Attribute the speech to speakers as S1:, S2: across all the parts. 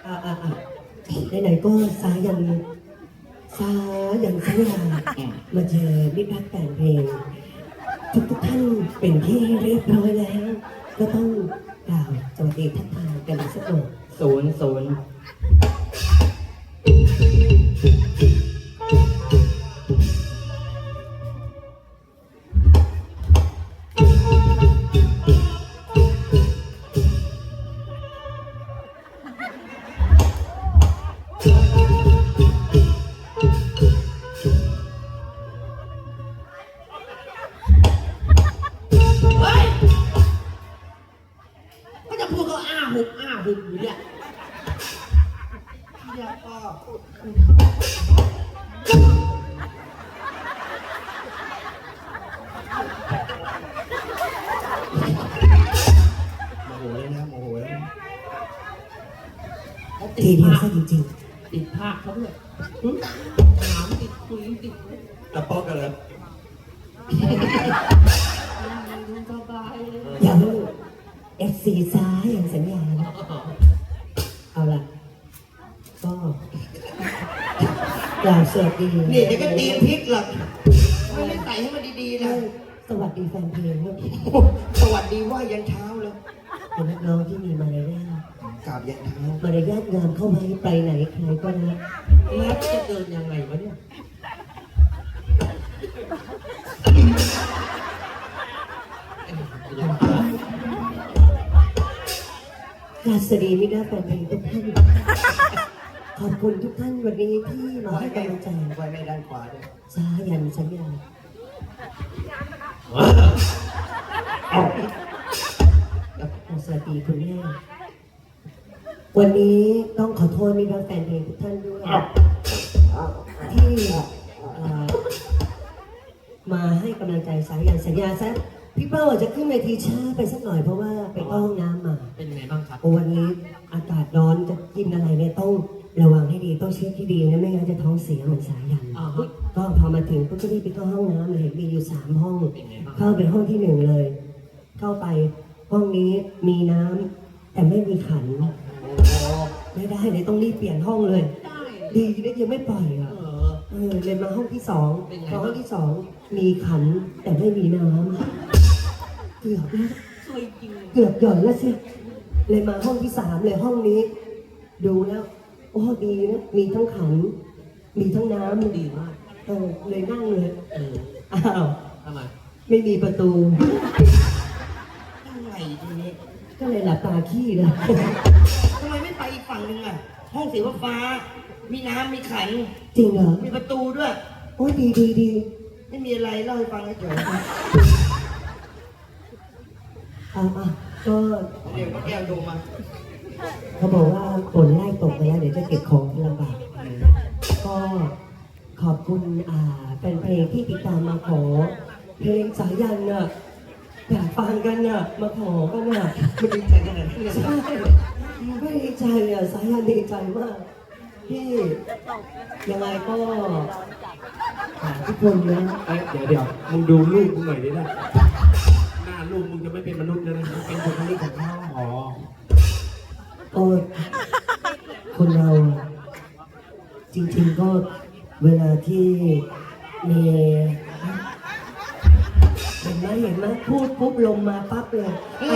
S1: ไหนๆก็สายันสัญญามาเจอมิตรรักแต่งเพลงทุกท่านเป็นที่เรียบร้อยแล้วก็ต้องกล่าวสวัสดีทักทายกันสักหน่อย
S2: ศูนย์อยู่เนี่ยเรียกพ่อโมโหเลยนะโมโหเลย
S1: ทีเดียวซะจริง
S2: ๆติดภาคเขาด้วยถามติดคุยติด
S3: ตะป๊อกกันเลย
S1: อย่าลูกFC ซ้ายอย่างสัญญาเอาล่ะก็กล่าวสวัสดี
S3: นี่เดี๋ยวก็ตีนพริกหรอกไม่ได้ใส่ให้มันดีๆนะ
S1: สวัสดีแฟนเพลงด้วย
S3: สวัสดีว่ายันเช้าเลย
S1: เป็นนักร้องที่มีมารยาท
S3: กราบยันเช้าม
S1: ารยาทงามเข้ามาไปไหนใครก็รัก
S2: แล้วจะเดินยังไงวะเนี่ย
S1: สวัสดีมิตรแฟนเพลงทุกท่านขอบคุณทุกท่านวันนี้ที่มาให้กำลังใจ
S3: ไว้ไม่ด้านขวาด้วย
S1: สายันสัญญาสวัสดีคุณแม่วันนี้ต้องขอโทษมิตรแฟนเพลงทุกท่านด้วยที่มาให้กำลังใจสายันสัญญาซะพี่เป้าจะขึ้นเวทีช้าไปสักหน่อยเพราะว่าไปเข้าห้องน้ำมา
S2: เป็นไงบ้างครับ
S1: วันนี้อากาศร้อนจะกินอะไรเนี่ยต้องระวังให้ดีต้องเช็คที่ดีนะไม่งั้นจะท้องเสียเหมือนสายันก็พอมาถึงก็จะรีบไปเข้าห้องน้ำเลยมีอยู่3 ห้องเข้าไปห้องที่1เลยเข้าไปห้องนี้มีน้ำแต่ไม่มีขันไม่ได้เลยต้องรีบเปลี่ยนห้องเลยดีได้ยังไม่ปล่อยอ่ะเลยมาห้องที่2พอห้องที่2มีขันแต่ไม่มีน้ำเกือบแล้วเกือบหย่อนแล้วสิเลยมาห้องที่3เลยห้องนี้ดูแล้วโอ้ดีนะมีทั้งขันมีทั้งน้ำ
S2: ดีมาก
S1: เลยนั่งเลยอ้าว
S2: ทำไม
S1: ไม่มีประตู
S3: ยังไงทีนี้
S1: ก็เลยหลับตาขี้เลย
S3: ทำไมไม่ไปอีกฝั่งนึงอ่ะห้องสีฟ้ามีน้ำมีขัน
S1: จริงเหรอ
S3: มีประตูด้วย
S1: โอ้ยดี
S3: ไม่มีอะไรเล่าให้ฟังเฉย
S1: ก็
S3: เดี๋ยวก็แก้วดูมา
S1: เขาบอกว่าฝนไล่ตกไปแล้วเดี๋ยวจะเก็บของลำบากก็ขอบคุณเป็นเพลงที่ติดตามมาขอเพลงสายันน่ะอยากฟังกันน่ะมาขอกันน่ะ
S3: มันดีใจขนาดนั้น
S1: ใช่ไม่ดีใจอ่ะสายันดีใจมากพี่ยังไงก็ทุกคนนะ
S2: เดี๋ยวมึงดูลูกมึงหน่อยดินะหน้าลูกมึงจะไม่เป็นมนุษย์แล้วนะเป็นคนที่ของพ่อ
S1: โอ้คนเราจริงๆก็เวลาที่มีเห็นไหมพูดปุ๊บลมมาปั๊บเลย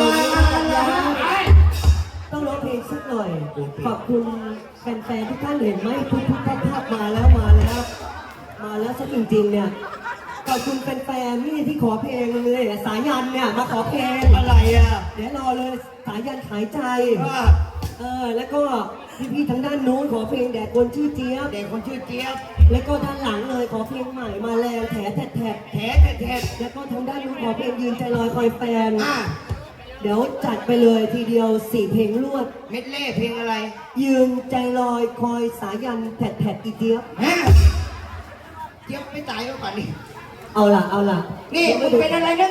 S1: ต้องร้องเพลงสักหน่อยขอบคุณแฟนๆทุกท่านเห็นไหมทุกภาพมาแล้วซะจริงๆเนี่ยขอบคุณแฟนๆนี่ที่ขอเพลงเลยสายันเนี่ยมาขอเพลง
S3: อะไรอ่ะ
S1: เดี๋ยวรอเลยสายันขายใจแล้วก็พี่ๆทางด้านโน้นขอเพลงแด่คนชื่อเจี๊ยบแล้วก็ด้านหลังเลยขอเพลงใหม่มาแรงแถแล้วก็ทางด้านนู้นขอเพลงยืนใจลอยคอยแฟนเดี๋ยวจัดไปเลยทีเดียว4 เพลงรวด
S3: เม็ดเล่เพลงอะไร
S1: ยืนใจลอยคอยสายันแถดอีเจี๊ยบ
S3: เจี๊ยบไม่ตายแล้วป่ะนี่
S1: เอาล่ะ
S3: นี่มึงเป็นอะไรนะ